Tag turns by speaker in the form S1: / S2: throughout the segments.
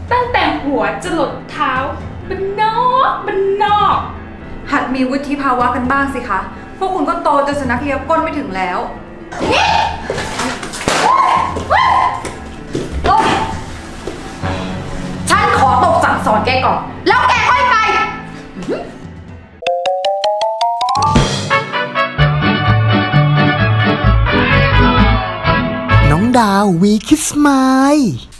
S1: ตั้งแต่หัวจรดเท้ามันนอก
S2: หัดมีวุฒิภาวะกันบ้างสิคะ พวกคุณก็โตจนสุนัขเลียก้นไม่ถึงแล้วฉันขอตบสั่งสอนแกก่อน แล้วแกค่อยไป
S3: น้องดาววีคิสไมล์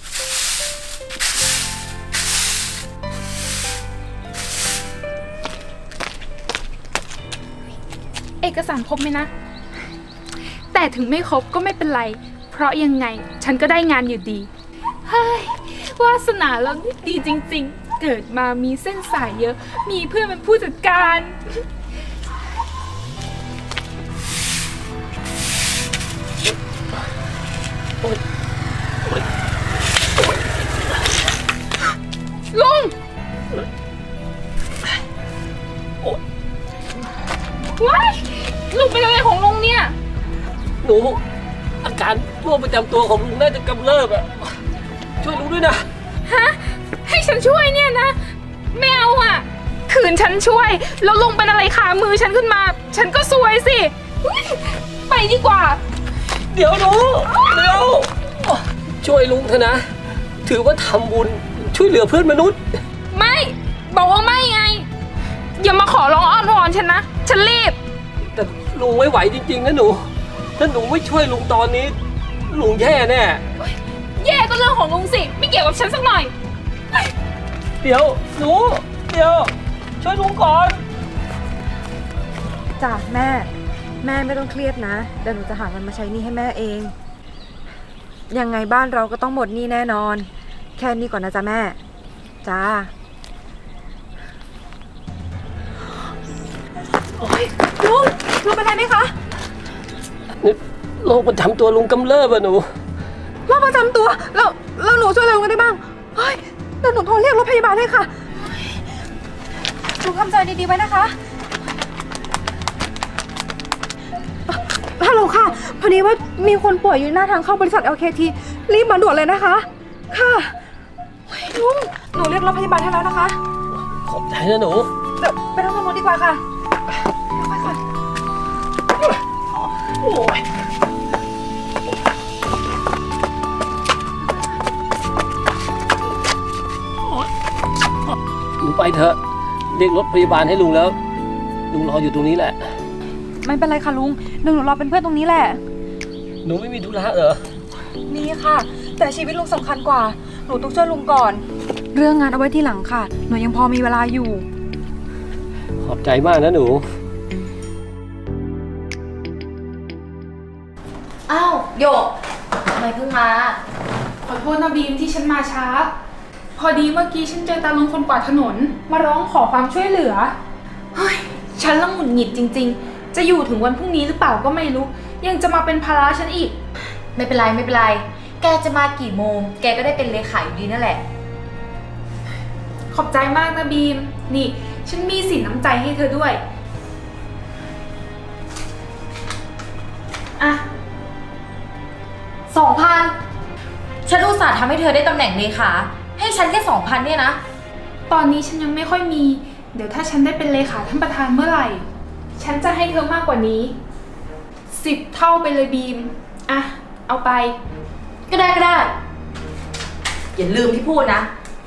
S1: เอกสารครบไหมนะ แต่ถึงไม่ครบก็ไม่เป็นไร เพราะยังไงฉันก็ได้งานอยู่ดี เฮ้ยวาสนาเรานี่ดีจริงๆ เกิดมามีเส้นสายเยอะ มีเพื่อนเป็นผู้จัดการลุงว้ายลุงเป็นอะไรของลุงเนี่ย
S4: หนูอาการโรคประจำตัวของลุงน่าจะกำเริบอะช่วยลุงด้วยนะ
S1: ฮะ ให้ฉันช่วยเนี่ยนะ ไม่เอาอ่ะ ขืนฉันช่วย แล้วลุงเป็นอะไรขามือฉันขึ้นมา ฉันก็ซวยสิอุ๊ยไปดีกว่า
S4: เดี๋ยวหนูเดี๋ยวช่วยลุงเถอะนะ ถือว่าทำบุญช่วยเหลือเพื่อนมนุษย์
S1: ไม่ บอกว่าไม่ไง อย่ามาขอร้องอ้อนวอนฉันนะ ฉันรีบ
S4: แต่ลุงไม่ไหวจริงๆนะหนู ถ้าหนูไม่ช่วยลุงตอนนี้ ลุงแย่แน่
S1: แย่ก็เรื่องของลุงสิ ไม่เกี่ยวกับฉันสักหน่อย
S4: เดี๋ยวหนูเดี๋ยวช่วยลุงก่อน
S2: จ้ะแม่ไม่ต้องเครียดนะ เดี๋ยวหนูจะหาเงินมาใช้หนี้ให้แม่เอง ยังไงบ้านเราก็ต้องหมดหนี้แน่นอน แค่นี้ก่อนนะจ๊ะแม่ จ้า โอ๊ยลุงเป็นไรไหมคะ
S4: โรคประจำตัวลุงกำเริบอะหนู
S2: โรคประจำตัวแล้วหนูช่วยอะไรลุงได้บ้าง เฮ้ยเดี๋ยวหนูโทรเรียกรถพยาบาลให้ค่ะลุงทำใจดีๆไว้นะคะ ฮัลโหลค่ะ พอดีว่ามีคนป่วยอยู่หน้าทางเข้าบริษัท LKT รีบมาด่วนเลยนะคะ ค่ะเฮ้ยลุง หนูเรียกรถพยาบาลให้แล้วนะคะ
S4: ขอบใจนะหนู
S2: เดี๋ยวไปนั่งตรงนู้นดีกว่าค่ะไปค่ะ
S4: โอ้ยหนูไปเถอะเรียกรถพยาบาลให้ลุงแล้ว ลุงรออยู่ตรงนี้แหละ
S2: ไม่เป็นไรค่ะลุงหนูรอเป็นเพื่อนตรงนี้แหละ
S4: หนูไม่มีธุระเหรอ
S2: มีค่ะ แต่ชีวิตลุงสำคัญกว่า หนูต้องช่วยลุงก่อน เรื่องงานเอาไว้ที่หลังค่ะ หนูยังพอมีเวลาอยู่
S4: ขอบใจมากนะหนู
S5: อ้าวโยกทำไมเพิ่งมา
S1: ขอโทษนะบีมที่ฉันมาช้า พอดีเมื่อกี้ฉันเจอตาลุงคนกวาดถนน มาร้องขอความช่วยเหลือ เฮ้ย ฉันละหงุดหงิดจริงๆ จะอยู่ถึงวันพรุ่งนี้หรือเปล่าก็ไม่รู้ ยังจะมาเป็นภาระฉันอีก
S5: ไม่เป็นไรไม่เป็นไร แกจะมากี่โมง แกก็ได้เป็นเลขาอยู่ดีนั่นแหละ
S1: ขอบใจมากนะบีม นี่ ฉันมีสินน้ำใจให้เธอด้วย อ่ะ
S5: 2,000 ฉันอุตส่าห์ทำให้เธอได้ตำแหน่งเลขา ให้ฉันแค่ 2,000 เนี่ยนะ
S1: ตอนนี้ฉันยังไม่ค่อยมี เดี๋ยวถ้าฉันได้เป็นเลขาท่านประธานเมื่อไหร่ ฉันจะให้เธอมากกว่านี้ 10 เท่าไปเลยบีม อ่ะ เอาไป
S5: ก็ได้ก็ได้ อย่าลืมที่พูดนะ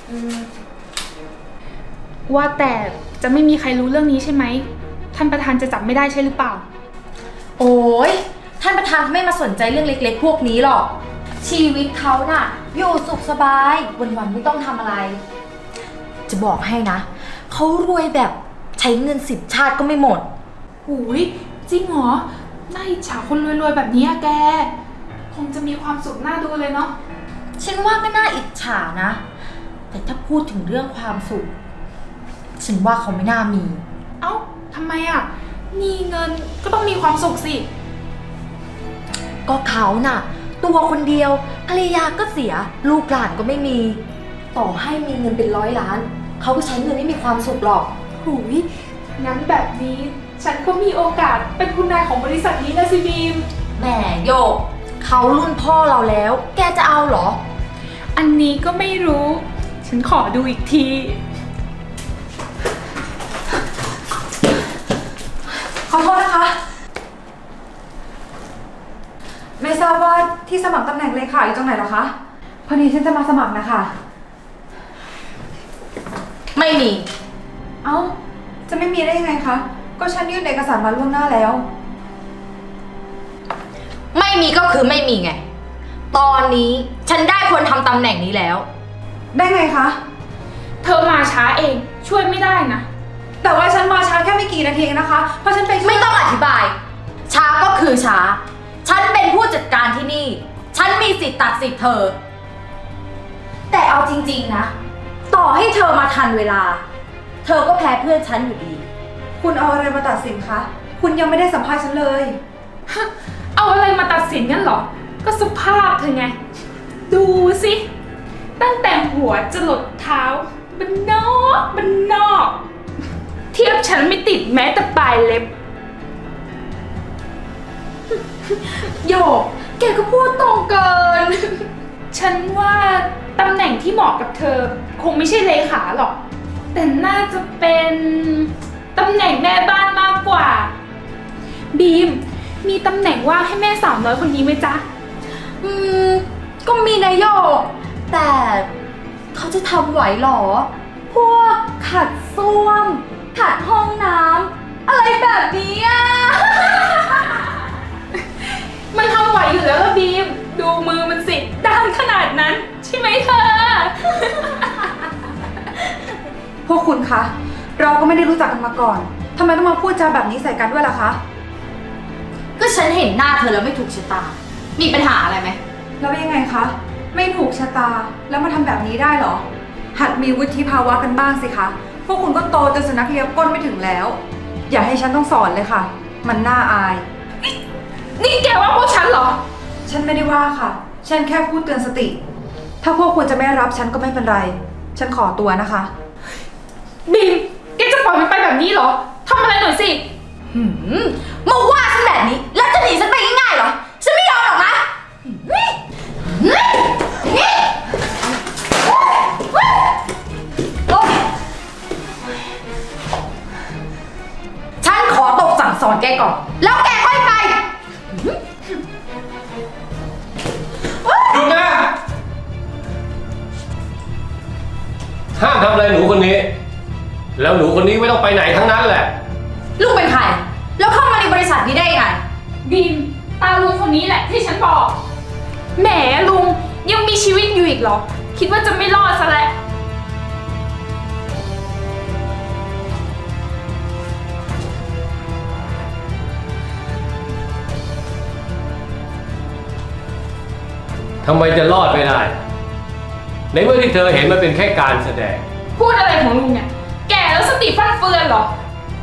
S1: ว่าแต่จะไม่มีใครรู้เรื่องนี้ใช่ไหม ท่านประธานจะจับไม่ได้ใช่หรือเปล่า
S5: โอ้ยท่านประธานไม่มาสนใจเรื่องเล็กๆพวกนี้หรอก ชีวิตเขาน่ะ อยู่สุขสบาย วันๆไม่ต้องทำอะไร จะบอกให้นะ เขารวยแบบใช้เงิน10 ชาติก็ไม่หมด
S1: หูยจริงเหรอ น่าอิจฉาคนรวยๆแบบนี้อะแก คงจะมีความสุขน่าดูเลยเนาะ
S5: ฉันว่าก็น่าอิจฉานะ แต่ถ้าพูดถึงเรื่องความสุข ฉันว่าเขาไม่น่ามี
S1: เอ้าทำไมอะมีเงินก็ต้องมีความสุขสิ
S5: ก็เขาน่ะ ตัวคนเดียวภรรยาก็เสีย ลูกหลานก็ไม่มี ต่อให้มีเงินเป็น100 ล้าน เขาก็ใช้เงินไม่มีความสุขหรอก
S1: หูยงั้นแบบนี้ ฉันก็มีโอกาสเป็นคุณนายของบริษัทนี้นะสิบีม
S5: แหมโยก เขารุ่นพ่อเราแล้ว แกจะเอาเหรอ
S1: อันนี้ก็ไม่รู้ ฉฉันขอดูอีกที
S2: ขอโทษนะคะ ไม่ทราบว่าที่สมัครตำแหน่งเลขาอยู่ตรงไหนเหรอคะ พอดีฉันจะมาสมัครนะคะ
S5: ไม่มี
S2: เอ้า จะไม่มีได้ยังไงคะ ก็ฉันยื่นเอกสารมาล่วงหน้าแล้ว
S5: ไม่มีก็คือไม่มีไง ตอนนี้ฉันได้คนทำตำแหน่งนี้แล้ว
S2: ได้ไงคะ
S1: เธอมาช้าเองช่วยไม่ได้นะ
S2: แต่ว่าฉันมาช้าแค่ไม่กี่นาทีเองนะคะ เพราะฉันไป
S5: ไม่ต้องอธิบาย ช้าก็คือช้า ฉันเป็นผู้จัดการที่นี่ ฉันมีสิทธิ์ตัดสิทธิ์เธอ แต่เอาจริงๆนะ ต่อให้เธอมาทันเวลา เธอก็แพ้เพื่อนฉันอยู่ดี
S2: คุณเอาอะไรมาตัดสินคะ คุณยังไม่ได้สัมภาษณ์ฉันเลย
S1: เอาอะไรมาตัดสินกันเหรอ ก็สภาพเธอไง ดูสิ ตั้งแต่หัวจรดเท้าบันนอก เทียบฉันไม่ติดแม้แต่ปลายเล็บ โยก แกก็พูดตรงเกิน ฉันว่าตำแหน่งที่เหมาะกับเธอ คงไม่ใช่เลขาหรอก แต่น่าจะเป็นตำแหน่งแม่บ้านมากกว่า บีม มีตำแหน่งว่างให้แม่สาวน้อยคนนี้ไหมจ๊ะ
S5: ก็มีนายโยก แต่เขาจะทำไหวหรอ พวกขัดส้วม ขัดห้องน้ำอะไรแบบนี้อ่ะ
S1: มันทำไหวอยู่แล้วล่ะบีม ดูมือมันสิด้านขนาดนั้น ใช่ไหมเธอ
S2: พวกคุณคะ เราก็ไม่ได้รู้จักกันมาก่อน ทำไมต้องมาพูดจาแบบนี้ใส่กันด้วยล่ะคะ
S5: ก็ฉันเห็นหน้าเธอแล้วไม่ถูกชะตา มีปัญหาอะไรไหม
S2: แล้วยังไงคะ ไม่ถูกชะตา แล้วมาทำแบบนี้ได้เหรอ หัดมีวุฒิภาวะกันบ้างสิคะ พวกคุณก็โตจนสุนัขเลียก้นไม่ถึงแล้ว อย่าให้ฉันต้องสอนเลยค่ะ มันน่าอาย
S1: นี่แกว่าพวกฉันเหรอ
S2: ฉันไม่ได้ว่าค่ะ ฉันแค่พูดเตือนสติ ถ้าพวกคุณจะไม่รับฉันก็ไม่เป็นไร ฉันขอตัวนะคะ
S1: บีม แกจะปล่อยมันไปแบบนี้เหรอ ทำอะไรหน่อยสิ
S5: มาว่าฉันแบบนี้ แล้วจะหนีฉันไปง่ายๆเหรอ ฉันไม่ยอมหรอกนะฉันขอตบสั่งสอนแกก่อน แล้วแกค่อยไป
S4: หยุดนะห้ามทำอะไรหนูคนนี้ แล้วหนูคนนี้ไม่ต้องไปไหนทั้งนั้นแหละ
S5: ลุงเป็นใคร แล้วเข้ามาในบริษัทนี้ได้ยังไง
S1: บีม ตาลุงคนนี้แหละที่ฉันบอก แหมลุงยังมีชีวิตอยู่อีกเหรอ คิดว่าจะไม่รอดซะแล้ว
S4: ทำไมจะรอดไม่ได้ ในเมื่อที่เธอเห็นมันเป็นแค่การแสดง
S1: พูดอะไรของลุงเนี่ย แก่แล้วสติฟั่นเฟือนเหรอ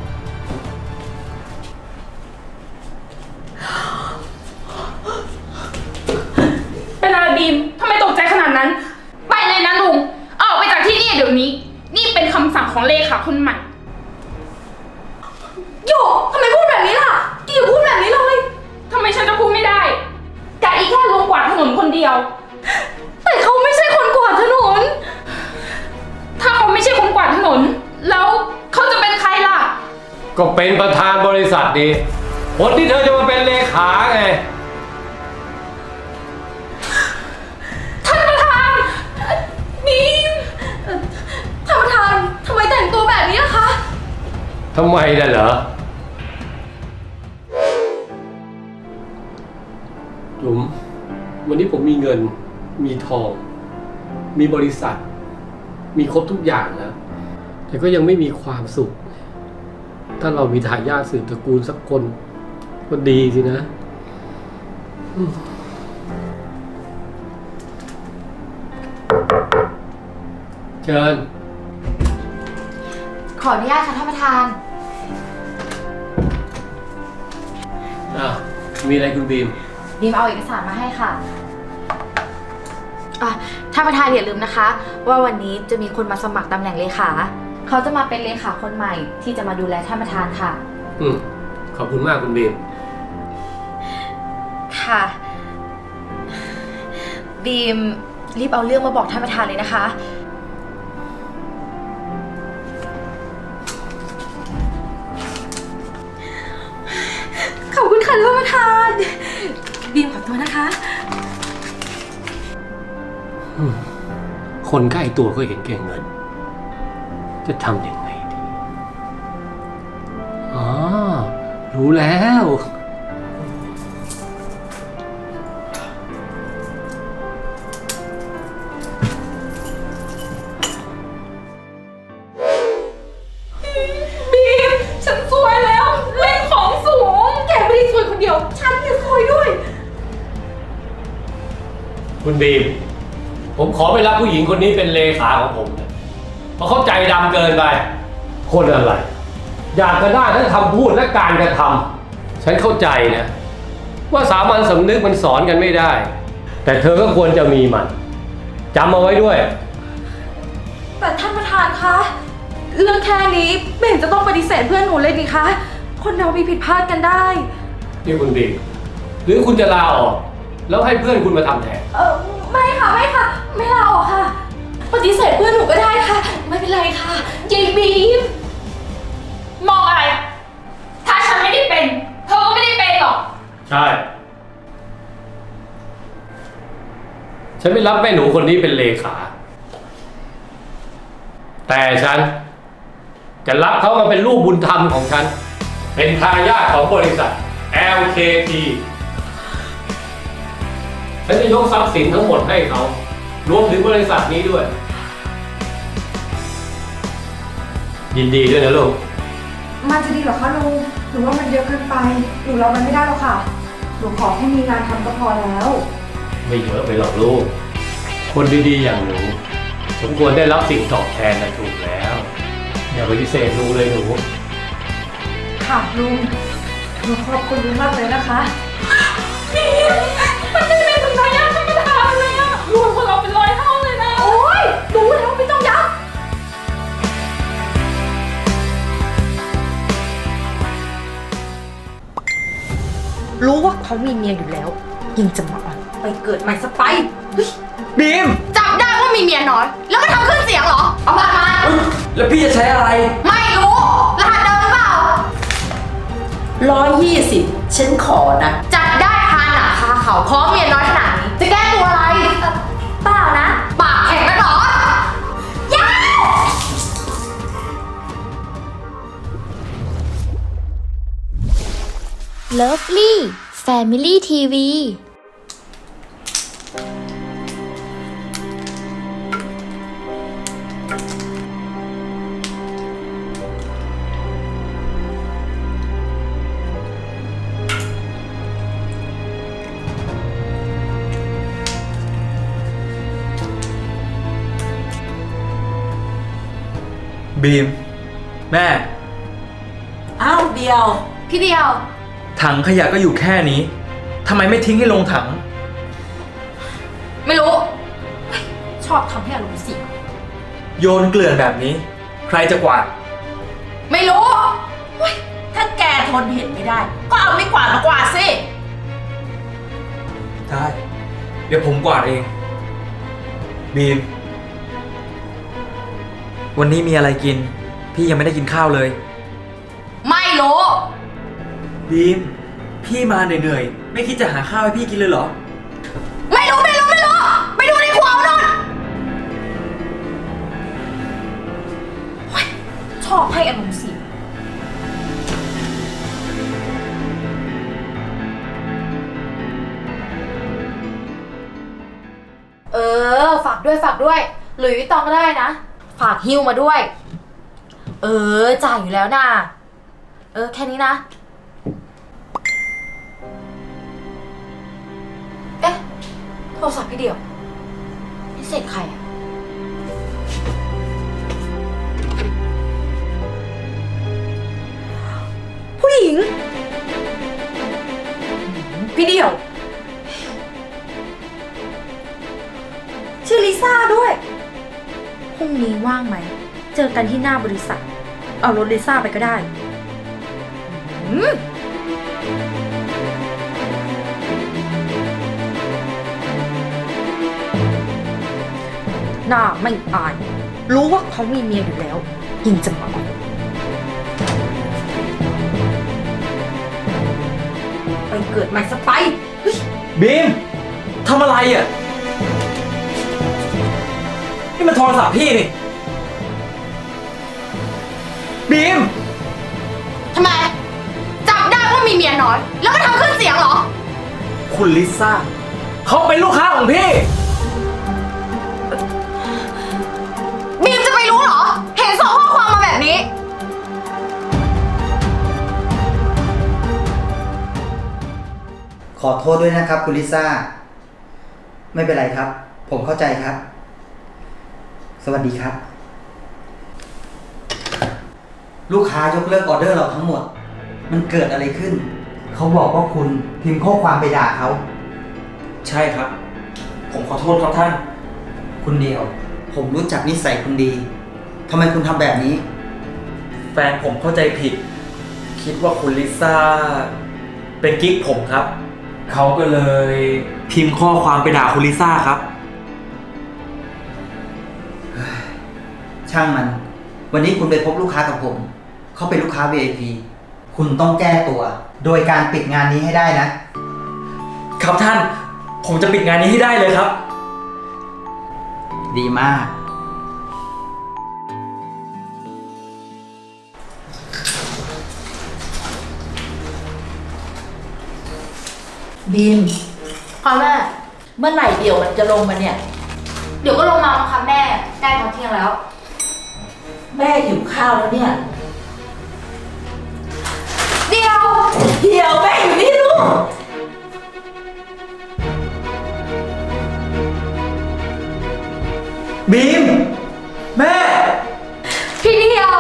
S1: เป็นอะไรบีม ทำไมตกใจขนาดนั้น ไปเลยนะลุง ออกไปจากที่นี่เดี๋ยวนี้ นี่เป็นคำสั่งของเลขาคนใหม่
S5: โยกทำไมพูดแบบนี้ล่ะกี่อย่าพูดแบบนี้เลย
S1: ทำไมฉันจะพูดไม่ได้กะอีแค่ลุงกวาดถนนคนเดียว
S5: แต่เขาไม่ใช่คนกวาดถนน
S1: ถ้าเขาไม่ใช่คนกวาดถนน แล้วเขาจะเป็นใครล่ะ
S4: ก็เป็นประธานบริษัทดีคนที่เธอจะมาเป็นเลขาไง
S1: ท่านประธานบีม
S5: ท่านประธานทำไมแต่งตัวแบบนี้ล่ะคะ
S4: ทำไมน่ะเหรอจุ๋มวันนี้ผมมีเงิน มีทอง มีบริษัท มีครบทุกอย่างแล้ว แต่ก็ยังไม่มีความสุข ถ้าเรามีทายาทสืบตระกูลสักคนก็ดีสินะเชิญ
S5: ขออนุญาตค่ะท่านประธาน
S4: มีอะไรคุณบีม
S5: บีมเอาเอกสารมาให้ค่ะท่านประธานอย่าลืมนะคะ ว่าวันนี้จะมีคนมาสมัครตำแหน่งเลขา เขาจะมาเป็นเลขาคนใหม่ที่จะมาดูแลท่านประธานค่ะ
S4: ขอบคุณมากคุณบีม
S5: ค่ะ บีมรีบเอาเรื่องมาบอกท่านประธานเลยนะคะค่ะท่านประธาน บีมขอตัวนะคะ
S4: คนใกล้ตัวก็เห็นแก่เงิน จะทำยังไงดี อ๋อ รู้แล้ว
S1: บีม ฉันซวยแล้วเล่นของสูง แกไม่ได้ซวยคนเดียว ฉันจะซวยด้วย
S4: คุณบีม ผมขอไปรับผู้หญิงคนนี้เป็นเลขาของผมนะเพราะเขาใจดำเกินไป คนอะไร อยากจะได้ทั้งคำพูดและการกระทำฉันเข้าใจนะ ว่าสามัญสำนึกมันสอนกันไม่ได้ แต่เธอก็ควรจะมีมันจำเอาไว้ด้วย
S5: แต่ท่านประธานคะ เรื่องแค่นี้ไม่เห็นจะต้องปฏิเสธเพื่อนหนูเลยนี่คะ คนเรามีผิดพลาดกันได้
S4: นี่คุณบีม หรือคุณจะลาออก แล้วให้เพื่อนคุณมาทำแทน
S5: ไม่ค่ะ ไม่ค่ะ ไม่ลาออกค่ะ ปฏิเสธเพื่อนหนูก็ได้ค่ะ ไม่เป็นไรค่ะ
S1: ยายบีม มองอะไร ถ้าฉันไม่ได้เป็น เธอก็ไม่ได้เป็นหรอก
S4: ใช่ ฉันไม่รับแม่หนูคนนี้เป็นเลขา แต่ฉันจะรับเขามาเป็นลูกบุญธรรมของฉัน เป็นทายาทของบริษัท LKT ฉันจะยกทรัพย์สินทั้งหมดให้เขา รวมถึงบริษัทนี้ด้วย ยินดีด้วยนะลูก
S2: มันจะดีเหรอคะลุง หรือว่ามันเยอะเกินไป หนูรับมันไม่ได้หรอกค่ะ หนูขอให้มีงานทำก็พอแล้ว
S4: ไม่เยอะไปหรอกลูก คนดีๆอย่างหนูสมควรได้รับสิ่งตอบแทนนะถูกแล้ว อย่าปฏิเสธลุงเลยหนู
S2: ค่ะลุง หนูขอบคุณลุงมากเลยนะคะ
S1: บีม มันได้เป็นถึงทายาทท่านประธานเลยอะรวยกว่าเราเป็น100 เท่าเลยนะ
S5: โอ๊ยรู้แล้วไม่ต้องย้ำรู้ว่าเขามีเมียอยู่แล้ว ยังจะมาอ่อนไปเกิดใหม่สไปเฮ้ย
S6: บีม
S5: จับได้ว่ามีเมียน้อย แล้วก็ทำขึ้นเสียงเหรอ เอาบัตรมา
S6: เฮ้ยแล้วพี่จะใช้อะไร
S5: ไม่รู้ รหัสเดิมหรือเปล่า
S7: 120 ฉันขอนะ
S5: จับได้คาหนังคาเขาพร้อมเมียน้อยขนาดนี้ จะแก้ตัวอะไรเปล่านะ ปากแข็งกันเหรอ ย้าว
S8: Lovely Family TV
S6: บีม แม่
S7: อ้าวเดียว
S5: พี่เดียว
S6: ถังขยะก็อยู่แค่นี้ทำไมไม่ทิ้งให้ลงถัง
S5: ไม่รู้เฮ้ยชอบทำให้อารมณ์เสีย
S6: โยนเกลื่อนแบบนี้ ใครจะกวาด
S5: ไม่รู้
S7: ถ้าแกทนเห็นไม่ได้ ก็เอาไม่กวาดมากวาดสิ
S6: ได้ เดี๋ยวผมกวาดเอง บีม วันนี้มีอะไรกิน พี่ยังไม่ได้กินข้าวเลย
S5: ไม่รู้
S6: บีม พี่มาเหนื่อยๆ ไม่คิดจะหาข้าวให้พี่กินเลยเหรอ
S5: ไม่รู้ ไม่รู้ ไม่รู้ ไปดูในครัวเอานู่นเฮ้ยชอบให้อารมณ์เสีย ฝากด้วย ฝากด้วย หลุยส์วิตตองก็ได้นะ ฝากฮิ้วมาด้วย จ่ายอยู่แล้วนะแค่นี้นะ เอ๊ะ โทรศัพท์พี่เดียวพิเศษใครอะผู้หญิง พี่เดียว ชื่อลิซ่าด้วย พรุ่งนี้ว่างไหม เจอกันที่หน้าบริษัท เอารถลิซ่าไปก็ได้หน้าไม่อาย รู้ว่าเขามีเมียอยู่แล้ว ยังจะมาอ่อน
S7: เกิดใหม่ซะไปเฮ้ย
S6: บีมทำอะไรอ่ะ นี่มันโทรศัพท์พี่นี่ บีม
S5: ทำไม จับได้ว่ามีเมียน้อย แล้วก็ทำขึ้นเสียงเหรอ
S6: คุณลิซ่าเขาเป็นลูกค้าของพี่
S5: บีมจะไปรู้เหรอ เห็นส่งข้อความมาแบบนี้
S9: ขอโทษด้วยนะครับคุณลิซ่า ไม่เป็นไรครับ ผมเข้าใจครับ สวัสดีครับ ลูกค้ายกเลิกออเดอร์เราทั้งหมด มันเกิดอะไรขึ้น เขาบอกว่าคุณพิมพ์ข้อความไปด่าเขา
S6: ใช่ครับ ผมขอโทษครับท่าน
S9: คุณเดียว ผมรู้จักนิสัยคุณดีทำไมคุณทำแบบนี้
S6: แฟนผมเข้าใจผิด คิดว่าคุณลิซ่าเป็นกิ๊กผมครับ เขาก็เลยพิมพ์ข้อความไปด่าคุณลิซ่าครับ
S9: ช่างมัน วันนี้คุณไปพบลูกค้ากับผม เขาเป็นลูกค้า VIP คุณต้องแก้ตัว โดยการปิดงานนี้ให้ได้นะ
S6: ครับท่าน ผมจะปิดงานนี้ให้ได้เลยครับ
S9: ดีมาก
S7: บีม
S5: ค่ะแม่
S7: เมื่อไหร่เดี๋ยวมันจะลงมาเนี่ย
S5: เดี๋ยวก็ลงมาค่ะแม่ ใกล้ตอนเที่ยงแล้ว
S7: แม่หิวข้าวแล้วเนี่ย
S5: เดี๋ยว
S7: เดี๋ยวแม่อยู่นี่ลูก
S6: บีม แม่
S5: พี่เดียว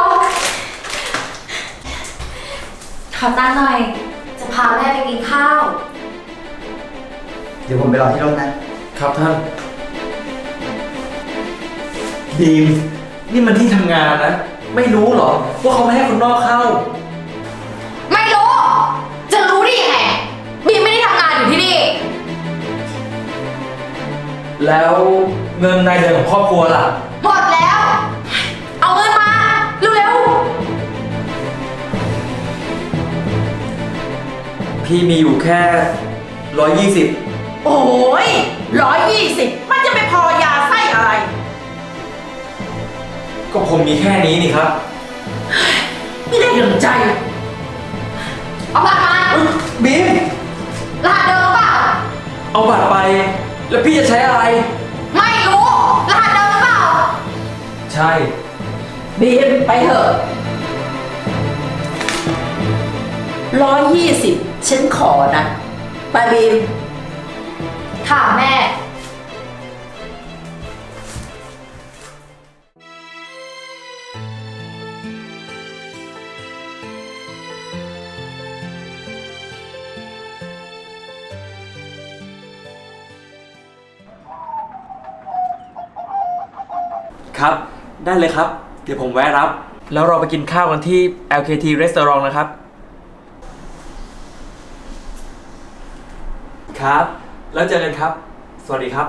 S5: ขอตังค์หน่อย จะพาแม่ไปกินข้าว
S9: เดี๋ยวผมไปรอที่รถนะ
S6: ครับท่าน บีม นี่มันที่ทำงานนะ ไม่รู้เหรอ ว่าเขาไม่ให้คนนอกเข้า
S5: ไม่รู้ จะรู้ได้ยังไง บีมไม่ได้ทำงานอยู่ที่นี่
S6: แล้วเงินรายเดือนของครอบครัวล่ะ
S5: หมดแล้ว เอาเงินมา เร็ว
S6: พี่มีอยู่แค่120
S7: โอ้ย120 มันจะไปพอยาไส้อะไร
S6: ก็ผมมีแค่นี้นี่ครับ
S7: ไม่ได้อย่างใจ
S5: ๆ เอาบัตรมา
S6: บีม
S5: รหัสเดิมเปล่า
S6: เอาบัตรไป แล้วพี่จะใช้อะไร
S5: ไม่รู้ รหัสเดิมเปล่า
S6: ใช่
S7: บีมไปเถอะ120 ฉันขอนะ ไปบีม
S5: ค่ะแม่
S6: ครับ ได้เลยครับ เดี๋ยวผมแวะรับ แล้วเราไปกินข้าวกันที่ LKT Restaurant นะครับ ครับ แล้วเจอกันครับ สวัสดีครับ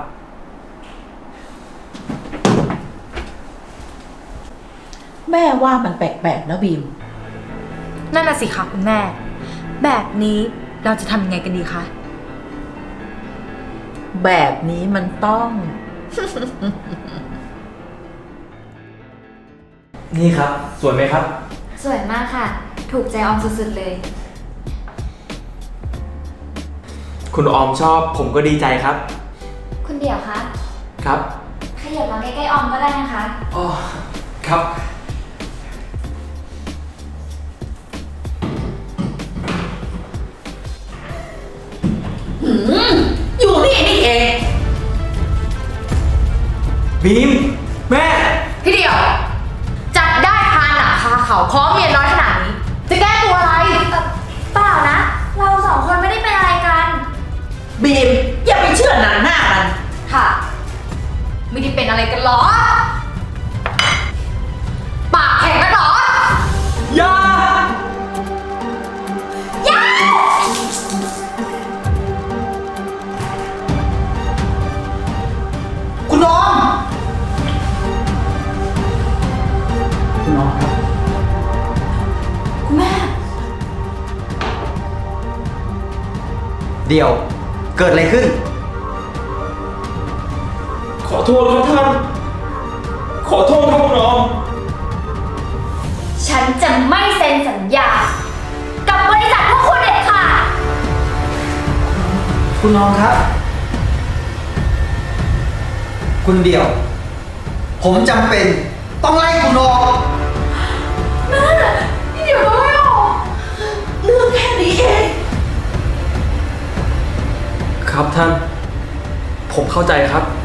S7: แม่ว่ามันแปลกๆนะบีม
S5: นั่นน่ะสิคะคุณแม่ แบบนี้เราจะทำยังไงกันดีคะ
S7: แบบนี้มันต้อง
S6: นี่ครับ สวยไหมครับ
S8: สวยมากค่ะ ถูกใจออมสุดๆเลย
S6: คุณออมชอบ ผมก็ดีใจครับ
S8: คุณเดี่ยวคะ
S6: ครับ
S8: ขยับมาใกล้ๆออมก็ได้นะคะ
S6: อ๋อ ครับ
S7: อยู่นี่นี่เอง
S6: บีม แม่
S5: พี่เดียว จับได้คาหนังคาเขาพร้อมเมียน้อยขนาดนี้ จะแก้ตัวอะไร
S8: เปล่านะ เราสองคนไม่ได้เป็นอะไรกัน
S7: บีม อย่าไปเชื่อหนังหน้ามัน
S5: ค่ะ ไม่ได้เป็นอะไรกันหรอ ปากแข็งกันหรอ
S6: อย่า
S9: คุณน้อง คุณน้องครับ
S5: คุณแม่
S9: เดี๋ยว เกิดอะไรขึ้น
S6: ขอโทษครับท่าน ขอโทษครับคุณออม
S8: ฉันจะไม่เซ็นสัญญา กับบริษัทพวกคุณเด็ดขาด
S9: คุณน้องครับ คุณเดี่ยว ผมจำเป็นต้องไล่คุณออก
S7: เดี๋ยวเราไม่ออกเรื่องแค่นี้เอง
S6: ครับท่าน ผมเข้าใจครับ